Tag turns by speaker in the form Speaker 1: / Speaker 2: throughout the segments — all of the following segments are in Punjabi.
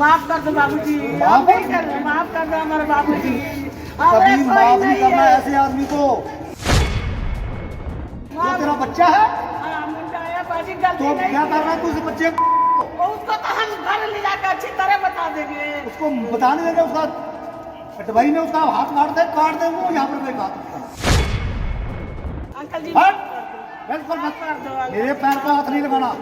Speaker 1: माफ कर दो बाबूजी,
Speaker 2: माफ
Speaker 1: नहीं कर दो, माफ कर दो हमारे बाबूजी।
Speaker 2: कभी माफ नहीं करना ऐसे आदमी को। वो तेरा बच्चा है
Speaker 1: मुंडा है बाजी, गलती
Speaker 2: तो
Speaker 1: नहीं
Speaker 2: क्या
Speaker 1: की।
Speaker 2: कर रहा है तू उस बच्चे को?
Speaker 1: उसको तो हम घर ले जाकर अच्छी तरह बता देंगे।
Speaker 2: उसको बताने देंगे, उसका अटवाई में उसका हाथ काट दे वो यहाँ पर कोई बात।
Speaker 1: अंकल जी
Speaker 2: हट!
Speaker 1: बिल्कुल मत कर दो अंकल।
Speaker 2: मेरे पैर पे हाथ नहीं लगाना।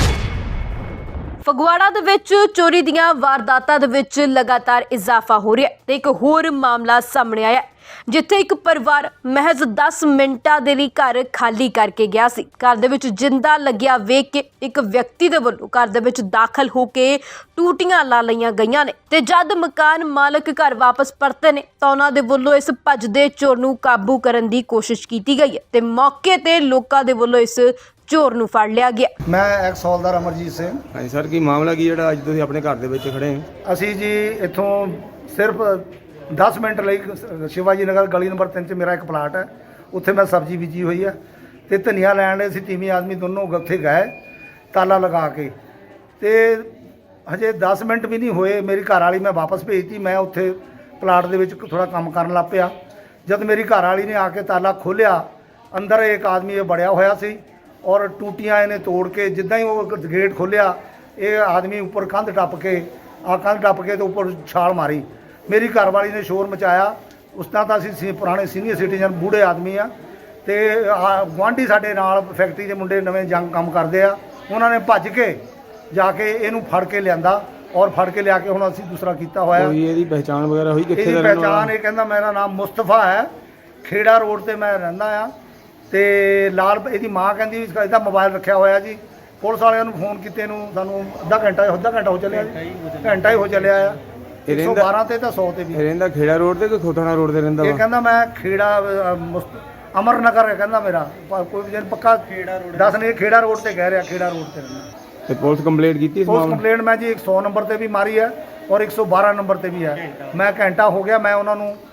Speaker 3: ਫਗਵਾੜਾ ਦੇ ਵਿੱਚ ਚੋਰੀ ਦੀਆਂ ਵਾਰਦਾਤਾਂ ਦੇ ਵਿੱਚ ਲਗਾਤਾਰ ਇਜ਼ਾਫਾ ਹੋ ਰਿਹਾ ਹੈ ਤੇ ਇੱਕ ਹੋਰ ਮਾਮਲਾ ਸਾਹਮਣੇ ਆਇਆ ਹੈ, ਜਿੱਥੇ ਇੱਕ ਪਰਿਵਾਰ ਮਹਿਜ਼ 10 ਮਿੰਟਾਂ ਦੇ ਲਈ ਘਰ ਖਾਲੀ ਕਰਕੇ ਗਿਆ ਸੀ। ਘਰ ਦੇ ਵਿੱਚ ਜਿੰਦਾ ਲੱਗਿਆ ਵੇਖ ਕੇ ਇੱਕ ਵਿਅਕਤੀ ਦੇ ਵੱਲੋਂ ਘਰ ਦੇ ਵਿੱਚ ਦਾਖਲ ਹੋ ਕੇ ਟੂਟੀਆਂ ਲਾ ਲਈਆਂ ਗਈਆਂ ਨੇ ਤੇ ਜਦ ਮਕਾਨ ਮਾਲਕ ਘਰ ਵਾਪਸ ਪਰਤੇ ਨੇ ਤਾਂ ਉਹਨਾਂ ਦੇ ਵੱਲੋਂ ਇਸ ਭੱਜਦੇ ਚੋਰ ਨੂੰ ਕਾਬੂ ਕਰਨ ਦੀ ਕੋਸ਼ਿਸ਼ ਕੀਤੀ ਗਈ ਹੈ ਤੇ ਮੌਕੇ ਤੇ ਲੋਕਾਂ ਦੇ ਵੱਲੋਂ ਇਸ ਚੋਰ ਨੂੰ ਫੜ ਲਿਆ ਗਿਆ।
Speaker 2: ਮੈਂ ਐਕਸ ਹੌਲਦਾਰ ਅਮਰਜੀਤ ਸਿੰਘ।
Speaker 4: ਹਾਂਜੀ ਸਰ, ਕੀ ਮਾਮਲਾ ਕੀ ਜਿਹੜਾ ਅੱਜ ਤੁਸੀਂ ਆਪਣੇ ਘਰ ਦੇ ਵਿੱਚ ਖੜੇ ਹੋ?
Speaker 2: ਅਸੀਂ ਜੀ ਇੱਥੋਂ ਸਿਰਫ 10 ਮਿੰਟ ਲਈ ਸ਼ਿਵਾਜੀ ਨਗਰ ਗਲੀ ਨੰਬਰ 3 'ਚ ਮੇਰਾ ਇੱਕ ਪਲਾਟ ਹੈ, ਉੱਥੇ ਮੈਂ ਸਬਜ਼ੀ ਬੀਜੀ ਹੋਈ ਹੈ ਤੇ ਧਨੀਆ ਲੈਣ ਲਈ ਅਸੀਂ ਤੀਵੀਂ ਆਦਮੀ ਦੋਨੋਂ ਉੱਥੇ ਗਏ ਤਾਲਾ ਲਗਾ ਕੇ, ਤੇ ਹਜੇ 10 ਮਿੰਟ ਵੀ ਨਹੀਂ ਹੋਏ ਮੇਰੀ ਘਰ ਵਾਲੀ ਮੈਂ ਵਾਪਸ ਭੇਜਤੀ। ਮੈਂ ਉੱਥੇ ਪਲਾਟ ਦੇ ਵਿੱਚ ਥੋੜਾ ਕੰਮ ਕਰਨ ਲੱਗ ਪਿਆ। ਜਦ ਮੇਰੀ ਘਰ ਵਾਲੀ ਨੇ ਆ ਕੇ ਤਾਲਾ ਖੋਲ੍ਹਿਆ, ਅੰਦਰ ਇੱਕ ਆਦਮੀ ਇਹ ਬੜਿਆ ਹੋਇਆ ਸੀ ਔਰ ਟੂਟੀਆਂ ਇਹਨੇ ਤੋੜ ਕੇ, ਜਿੱਦਾਂ ਹੀ ਉਹ ਗੇਟ ਖੋਲ੍ਹਿਆ ਇਹ ਆਦਮੀ ਉੱਪਰ ਕੰਧ ਟੱਪ ਕੇ ਤੇ ਉੱਪਰ ਛਾਲ ਮਾਰੀ। ਮੇਰੀ ਘਰਵਾਲੀ ਨੇ ਸ਼ੋਰ ਮਚਾਇਆ। ਉਸ ਤਰ੍ਹਾਂ ਤਾਂ ਅਸੀਂ ਪੁਰਾਣੇ ਸੀਨੀਅਰ ਸਿਟੀਜ਼ਨ ਬੂढ़े ਆਦਮੀ ਆ ਤੇ ਗੁਆਂਢੀ ਸਾਡੇ ਨਾਲ ਫੈਕਟਰੀ ਦੇ ਮੁੰਡੇ ਨਵੇਂ ਜੰਗ ਕੰਮ ਕਰਦੇ ਆ, ਉਹਨਾਂ ਨੇ ਭੱਜ ਕੇ ਜਾ ਕੇ ਇਹਨੂੰ ਫੜ ਕੇ ਲਿਆਂਦਾ ਔਰ ਫੜ ਕੇ ਲਿਆ ਕੇ ਹੁਣ ਅਸੀਂ ਦੂਸਰਾ ਕੀਤਾ ਹੋਇਆ।
Speaker 4: ਕੋਈ ਇਹਦੀ ਪਹਿਚਾਣ ਵਗੈਰਾ ਹੋਈ ਕਿੱਥੇ
Speaker 2: ਇਹਦੀ
Speaker 4: ਦਾ ਰਹਿਣ
Speaker 2: ਪਹਿਚਾਣ
Speaker 4: ਵਾਲਾ?
Speaker 2: ਇਹ ਕਹਿੰਦਾ ਮੇਰਾ ਨਾਮ ਮੁਸਤਫਾ ਹੈ, ਖੇੜਾ ਰੋਡ ਤੇ ਮੈਂ ਰਹਿੰਦਾ ਆ ਤੇ ਲਾਲ ਇਹਦੀ ਮਾਂ ਕਹਿੰਦੀ ਵੀ ਇਹਦਾ ਮੋਬਾਈਲ ਰੱਖਿਆ ਹੋਇਆ ਜੀ। ਪੁਲਿਸ ਵਾਲਿਆਂ ਨੂੰ ਫੋਨ ਕੀਤੇ ਨੂੰ ਸਾਨੂੰ ਅੱਧਾ ਘੰਟਾ ਹੋ ਚੱਲਿਆ ਜੀ, ਘੰਟਾ ਹੀ ਹੋ ਚੱਲਿਆ ਆ। 112 ਤੇ ਤਾਂ 100 ਤੇ ਵੀ।
Speaker 4: ਰਹਿੰਦਾ ਖੇੜਾ ਰੋਡ ਤੇ ਕਿ ਖੋਥਾਣਾ ਰੋਡ ਤੇ ਰਹਿੰਦਾ
Speaker 2: ਇਹ
Speaker 4: ਵਾ?
Speaker 2: ਕਹਿੰਦਾ ਮੈਂ ਖੇੜਾ ਅਮਰ ਨਗਰ ਹੈ ਕਹਿੰਦਾ ਮੇਰਾ, ਕੋਈ ਵੀ ਪੱਕਾ ਦੱਸ ਨਹੀਂ, ਖੇੜਾ ਰੋਡ ਤੇ ਕਹਿ ਰਿਹਾ, ਖੇੜਾ ਰੋਡ ਤੇ ਰਹਿੰਦਾ।
Speaker 4: ਤੇ ਪੁਲਿਸ ਕੰਪਲੇਂਟ ਕੀਤੀ ਇਸ
Speaker 2: ਪੁਲਿਸ
Speaker 4: ਮਾਮਲੇ?
Speaker 2: ਕੰਪਲੇਂਟ ਮੈਂ ਜੀ 100 ਨੰਬਰ ਤੇ ਵੀ ਮਾਰੀ ਹੈ ਔਰ 112 ਨੰਬਰ ਤੇ ਵੀ ਹੈ। ਮੈਂ ਘੰਟਾ ਹੋ ਗਿਆ ਮੈਂ ਉਹਨਾਂ ਨੂੰ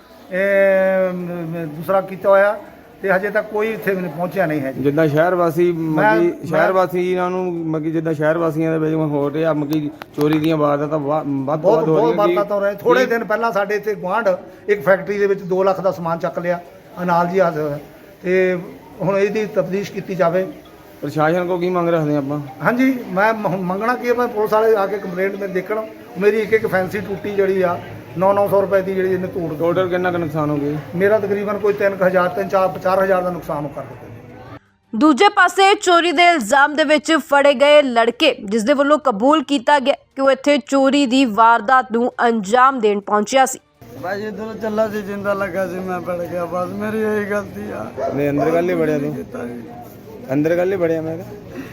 Speaker 2: ਦੂਸਰਾ ਕੀਤਾ ਹੋਇਆ ਤੇ ਹਜੇ ਤੱਕ ਕੋਈ ਇੱਥੇ ਵੀ ਪਹੁੰਚਿਆ ਨਹੀਂ ਹੈ ਜੀ।
Speaker 4: ਜਿੱਦਾਂ ਸ਼ਹਿਰ ਵਾਸੀ
Speaker 2: ਮੈਂ-
Speaker 4: ਸ਼ਹਿਰ ਵਾਸੀਆਂ ਨੂੰ ਜਿੱਦਾਂ ਸ਼ਹਿਰ ਵਾਸੀਆਂ ਦੇ ਵਿੱਚ ਹੋ ਰਿਹਾ ਚੋਰੀ ਦੀਆਂ ਵਾਰਦਾਤਾਂ ਵੱਧ ਤੋਂ ਵੱਧ ਹੋ
Speaker 2: ਬਹੁਤ
Speaker 4: ਰਹੀਆਂ।
Speaker 2: ਵਾਰਦਾਤਾਂ ਹੋ ਰਹੀਆਂ। ਥੋੜੇ ਦਿਨ ਪਹਿਲਾਂ ਸਾਡੇ ਇੱਥੇ ਗੁਆਂਢ ਇੱਕ ਫੈਕਟਰੀ ਦੇ ਵਿੱਚ 2 ਲੱਖ ਦਾ ਸਮਾਨ ਚੱਕ ਲਿਆ, ਅਨਾਲ ਜੀ ਹਾਜ਼ਰ ਹੋਇਆ ਤੇ ਹੁਣ ਇਹਦੀ ਤਫਤੀਸ਼ ਕੀਤੀ ਜਾਵੇ।
Speaker 4: ਪ੍ਰਸ਼ਾਸਨ ਕੋ ਕੀ ਮੰਗ ਰੱਖਦੇ ਆਪਾਂ?
Speaker 2: ਹਾਂਜੀ, ਮੈਂ ਮੰਗਣਾ ਕੀ ਹੈ, ਮੈਂ ਪੁਲਿਸ ਵਾਲੇ ਆ ਕੇ ਕੰਪਲੇਂਟ ਮੇਰੇ ਦੇਖਣ। ਮੇਰੀ ਇੱਕ ਫੈਂਸੀ ਟੂਟੀ ਜਿਹੜੀ ਆ 900 ਰੁਪਏ ਦੀ ਜਿਹੜੀ ਇਹਨੇ ਤੋੜ ਦਿੱਤੀ।
Speaker 4: ਟੋਟਲ ਕਿੰਨਾ ਕੁ ਨੁਕਸਾਨ ਹੋ ਗਿਆ?
Speaker 2: ਮੇਰਾ ਤਕਰੀਬਨ ਕੋਈ 3000 4-5000 ਦਾ ਨੁਕਸਾਨ ਕਰ ਦਿੱਤਾ।
Speaker 3: ਦੂਜੇ ਪਾਸੇ ਚੋਰੀ ਦੇ ਇਲਜ਼ਾਮ ਦੇ ਵਿੱਚ ਫੜੇ ਗਏ ਲੜਕੇ, ਜਿਸ ਦੇ ਵੱਲੋਂ ਕਬੂਲ ਕੀਤਾ ਗਿਆ ਕਿ ਉਹ ਇੱਥੇ ਚੋਰੀ ਦੀ ਵਾਰਦਾਤ ਨੂੰ ਅੰਜਾਮ ਦੇਣ ਪਹੁੰਚਿਆ ਸੀ।
Speaker 5: भाई इधर चला सी जिंदा लगा सी मैं पड़ गया, बस मेरी यही गलती है।
Speaker 4: ਨਹੀਂ ਅੰਦਰ ਗੱਲ ਹੀ ਬੜਿਆ ਤੂੰ, ਅੰਦਰ ਗੱਲ ਹੀ ਬੜਿਆ ਮੈਂ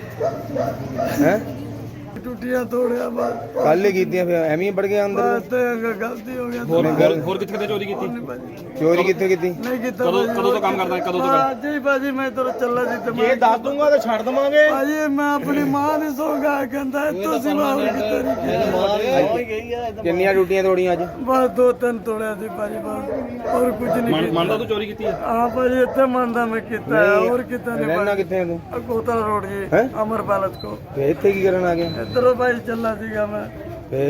Speaker 4: ਹੈ
Speaker 5: टूटिया तोड़िया बस
Speaker 4: ਕੱਲ ਹੀ ਕੀਤੀਆਂ ਫਿਰ ਐਵੇਂ ਹੀ ਵੜ ਗਿਆ ਅੰਦਰ।
Speaker 5: बस तो गलती हो गया।
Speaker 6: ਹੋਰ ਕਿੱਥੇ ਚੋਰੀ ਕੀਤੀ?
Speaker 4: ਚੋਰੀ ਕਿੱਥੇ ਕੀਤੀ?
Speaker 5: नहीं किता
Speaker 6: ਕਦੋਂ ਤੋਂ ਕੰਮ ਕਰਦਾ ਹੈ? ਕਦੋਂ ਤੋਂ ਕਰ?
Speaker 5: जी भाजी मैं इधर चला सी तो
Speaker 6: ਇਹ ਦੱਸ ਦੂੰਗਾ ਤੇ ਛੱਡ ਦਵਾਂਗੇ।
Speaker 5: भाजी मैं अपनी मां दी सोगा कहंदा है तो सिवा
Speaker 4: ਕਿੰਨੀਆਂ ਟੂਟੀਆਂ ਤੋੜੀਆਂ ਅੱਜ?
Speaker 5: बस 2-3 तोड़िया सी भाजी, बस और कुछ नहीं।
Speaker 6: ਮੰਨਦਾ ਤੂੰ ਚੋਰੀ ਕੀਤੀ ਹੈ?
Speaker 5: हां भाजी इतने मानदा मैं किता है और किता नहीं।
Speaker 4: ਰਹਿਣਾ ਕਿੱਥੇ ਹੈ ਤੂੰ?
Speaker 5: कोतल रोड जी
Speaker 4: हैं?
Speaker 5: अमर पैलेस को
Speaker 4: ਤੇ ਇੱਥੇ ਕੀ ਕਰਨ ਆ ਗਿਆ?
Speaker 5: इधर भाई चला सीगा मैं।
Speaker 4: ਤੇ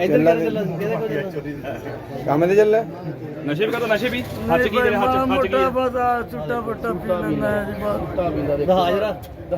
Speaker 4: ਕੰਮ ਤੇ ਚੱਲਾ?
Speaker 6: ਨਸ਼ੇ ਵੀ ਕਰਦਾ? ਨਸ਼ੇ ਵੀ ਹੱਥ 'ਚ ਕੀ ਤੇਰੇ ਹੱਥ 'ਚ ਕੀ ਹੈ?
Speaker 5: बस छुट्टा पुट्टा पी लेना है जी बस।
Speaker 6: ਹਾਜ਼ਰਾ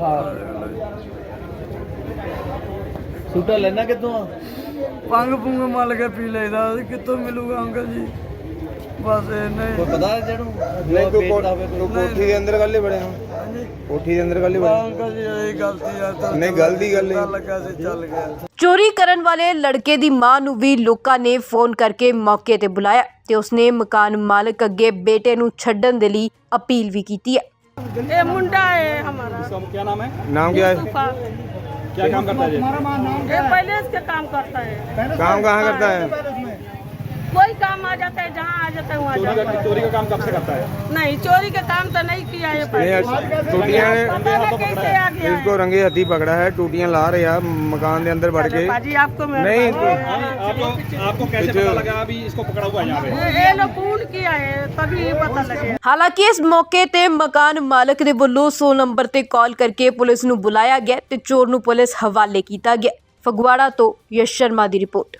Speaker 6: ਸੂਟਾ ਲੈਣਾ ਕਿੱਥੋਂ ਆ?
Speaker 5: पंग पुंग मल के पी लेदा, कितों मिलूगा अंकल जी? बस नहीं
Speaker 6: ਪਤਾ ਹੈ ਜਿਹਨੂੰ
Speaker 4: ਨਹੀਂ ਤੂੰ ਕੋਠੀ ਦੇ ਅੰਦਰ ਗੱਲ ਹੀ ਬੜਿਆ? ਕੋਠੀ ਦੇ ਅੰਦਰ ਗੱਲ ਹੀ ਬੜਿਆ?
Speaker 5: अंकल जी यही गलती है तो
Speaker 4: नहीं, गलती कर ली।
Speaker 5: लगा से चल गया।
Speaker 3: ਚੋਰੀ ਕਰਨ ਵਾਲੇ ਲੜਕੇ ਦੀ ਮਾਂ ਨੂੰ ਵੀ ਲੋਕਾਂ ਨੇ ਫੋਨ ਕਰਕੇ ਮੌਕੇ ਤੇ ਬੁਲਾਇਆ ਤੇ ਉਸਨੇ ਮਕਾਨ ਮਾਲਕ ਅੱਗੇ ਬੇਟੇ ਨੂੰ ਛੱਡਣ ਦੇ ਲਈ ਅਪੀਲ ਵੀ ਕੀਤੀ ਹੈ।
Speaker 1: ये मुंडा है हमारा,
Speaker 6: इसका क्या नाम है?
Speaker 4: नाम क्या है?
Speaker 1: मुस्तफा।
Speaker 6: क्या काम करता है ये?
Speaker 1: ये पहले इसके काम करता है,
Speaker 4: काम कहाँ करता है?
Speaker 1: कोई काम आ जाता है, जहाँ आ जाता है वहाँ जाता है।
Speaker 6: चोरी का काम कब से करता है?
Speaker 1: नहीं, चोरी का काम तो नहीं किया है पहले।
Speaker 4: टूटियां
Speaker 1: पता नहीं कैसे आ गया
Speaker 4: इसको
Speaker 1: है।
Speaker 4: रंगे हथी पकड़ा है, टूटियां ला रहे हैं मकान के अंदर बढ़ के।
Speaker 1: बाजी आपको मैं
Speaker 4: नहीं,
Speaker 6: आपको कैसे पता लगा अभी इसको पकड़ा हुआ है यहाँ पे?
Speaker 1: ये लोग फोन किया है तभी पता लगे।
Speaker 3: ਹਾਲਾਂਕਿ ਇਸ ਮੌਕੇ ਤੇ ਮਕਾਨ ਮਾਲਕ ਦੇ ਵੱਲੋਂ 100 ਨੰਬਰ ਤੇ ਕਾਲ ਕਰਕੇ ਪੁਲਿਸ ਨੂੰ ਬੁਲਾਇਆ ਗਿਆ ਤੇ ਚੋਰ ਨੂੰ ਪੁਲਿਸ ਹਵਾਲੇ ਕੀਤਾ ਗਿਆ। ਫਗਵਾੜਾ ਤੋਂ ਯਸ਼ ਸ਼ਰਮਾ ਦੀ ਰਿਪੋਰਟ।